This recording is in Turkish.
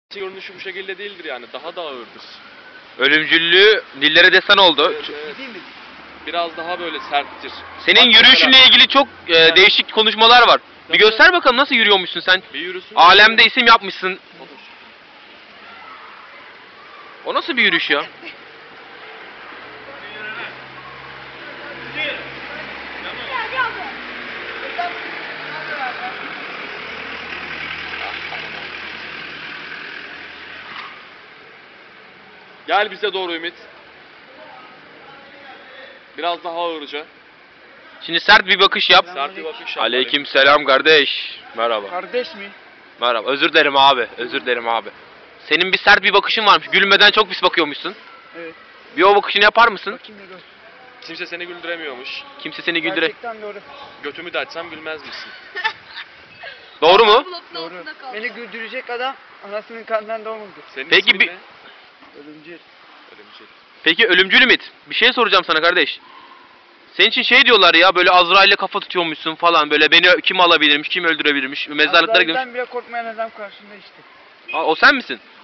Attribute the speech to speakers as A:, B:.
A: Görünüşü bu şekilde değildir yani. Daha da ağırdır.
B: Ölümcüllüğü dillere destan oldu.
A: Evet, evet. Biraz daha böyle serttir.
B: Senin
A: Bak
B: yürüyüşünle
A: mesela,
B: ilgili çok değişik konuşmalar var. Bir göster bakalım nasıl yürüyormuşsun sen.
A: bir yürüsün.
B: Alemde isim yapmışsın.
A: Otur.
B: O nasıl bir yürüyüş ya?
A: Gel bize doğru Ümit. Biraz daha ağırca.
B: Şimdi sert bir bakış yap.
A: Sert bir bakış yap.
B: Aleyküm selam kardeş. Merhaba.
C: Kardeş mi?
B: Merhaba. Özür dilerim abi. Özür dilerim abi. Senin bir sert bir bakışın varmış. Gülmeden çok pis bakıyormuşsun.
C: Evet.
B: Bir o bakışını yapar mısın?
C: Bakayım da gör.
A: Kimse seni güldüremiyormuş.
B: Kimse seni güldüre...
C: Gerçekten doğru.
A: Götümü de açsam gülmez misin?
B: Doğru mu?
C: Doğru. Beni güldürecek adam anasının karnından doğmadı.
A: Senin
B: Peki
A: ismin
B: bir-
A: ne?
C: Ölümcül.
A: Ölümcül.
B: Peki ölümcül Ümit. Bir şey soracağım sana kardeş. Senin için şey diyorlar ya böyle Azrail'le kafa tutuyormuşsun falan böyle beni kim alabilirmiş, kim öldürebilirmiş, mezarlıklara gidiyormuş.
C: Azrail'den bile korkmayan adam karşında işte.
B: O sen misin?